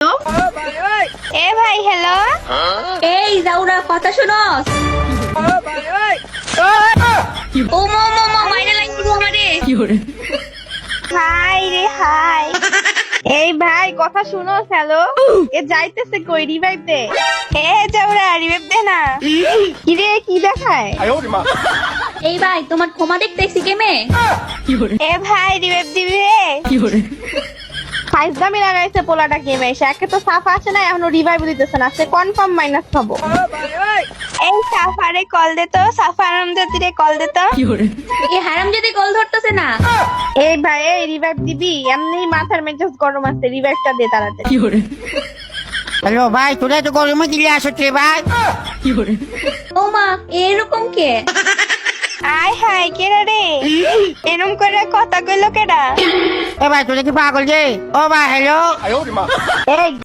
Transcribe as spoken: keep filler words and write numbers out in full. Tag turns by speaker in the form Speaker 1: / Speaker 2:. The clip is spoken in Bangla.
Speaker 1: হ্যালো এ ভাই হ্যালো
Speaker 2: এই জাউরা কথা শুনস?
Speaker 1: ও মো মো মো মাইরে লাগি আমারে হাই রে হাই এই ভাই কথা শুনো হ্যালো এ যাইতেছে কই রিভাইভ দে এ যাওরা রিভাইভ দে না কি রে কি দেখায়
Speaker 2: এই ভাই তোমার ক্ষমা দেখতেছি কেমে?
Speaker 1: এ ভাই রিভাইভ দিবি রে ফাইজ দামি লাগাইছে পোলাটা গেমে এসে একে তো সাফা আছে না এখনো রিভাইভ দিতেছে না সে কনফার্ম মাইনাস খাবো এই সাফারে কল দে তো সাফা আরামজাদিরে কল দে তো
Speaker 2: এই হারাম যদি কল ধরতেছে না।
Speaker 1: এই ভাই এই রিভাইভ দিবি এমনি মাথার মেজাজ গরম আছে রিভাইভটা দে তাড়াতাড়ি
Speaker 3: হ্যালো ভাই তোরা তো গরমে দিলে আসো রে ভাই।
Speaker 2: ও মা এরকম কে?
Speaker 1: আয় হাই কেডা রে এরম করে কথা কইলো কেডা
Speaker 3: এ ভাই তোরা কি পাগল রে? ও ভাই হ্যালো
Speaker 1: এই